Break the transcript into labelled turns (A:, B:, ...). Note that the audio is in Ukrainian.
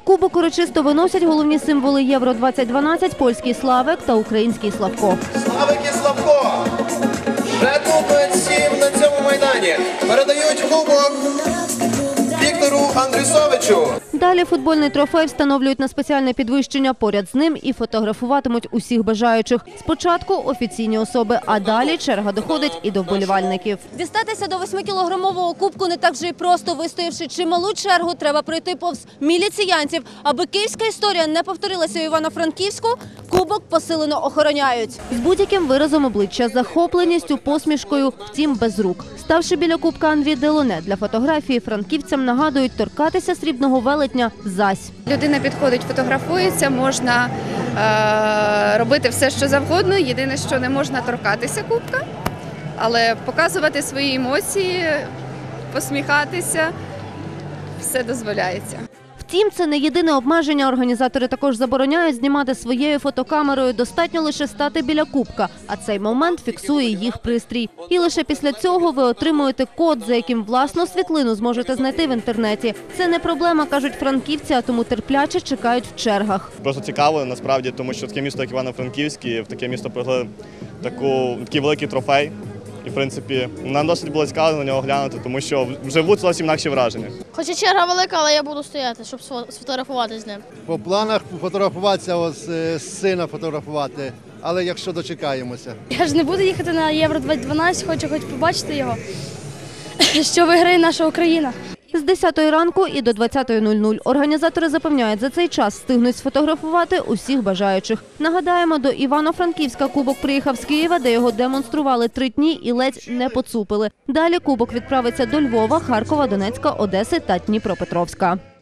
A: Кубок урочисто виносять головні символи Євро-2012 – польський Славик та український Славко.
B: Славик і Славко вже тут всім на цьому майдані. Передають кубок Віктору Андрюсовичу.
A: Далі футбольний трофей встановлюють на спеціальне підвищення поряд з ним і фотографуватимуть усіх бажаючих. Спочатку офіційні особи, а далі черга доходить і до вболівальників. Дістатися до 8-кілограмового кубку не так вже й просто. Вистоявши чималу чергу, треба пройти повз міліціянців. Аби київська історія не повторилася у Івано-Франківську, кубок посилено охороняють. З будь-яким виразом обличчя, захопленістю, посмішкою, втім без рук. Ставши біля кубка Андрій Делоне, для фотографії франківцям нагадують торкатися срібного велетня зась.
C: Людина підходить, фотографується, можна робити все, що завгодно. Єдине, що не можна торкатися кубка, але показувати свої емоції, посміхатися – все дозволяється.
A: Втім, це не єдине обмеження. Організатори також забороняють знімати своєю фотокамерою. Достатньо лише стати біля кубка, а цей момент фіксує їх пристрій. І лише після цього ви отримуєте код, за яким власну світлину зможете знайти в інтернеті. Це не проблема, кажуть франківці, а тому терпляче чекають в чергах.
D: Просто цікаво, насправді, тому що таке місто, як Івано-Франківськ, в таке місто привели такий великий трофей. І, в принципі, нам досить було цікаво на нього глянути, тому що вживу зовсім інакші враження.
E: Хоча черга велика, але я буду стояти, щоб сфотографувати з ним.
F: По планах фотографуватися, сина фотографувати, але якщо дочекаємося.
E: Я ж не буду їхати на Євро-2012, хочу хоч побачити його, що виграє наша Україна.
A: З 10 ранку і до 20:00 організатори запевняють, за цей час встигнуть сфотографувати усіх бажаючих. Нагадаємо, до Івано-Франківська кубок приїхав з Києва, де його демонстрували 3 дні і ледь не поцупили. Далі кубок відправиться до Львова, Харкова, Донецька, Одеси та Дніпропетровська.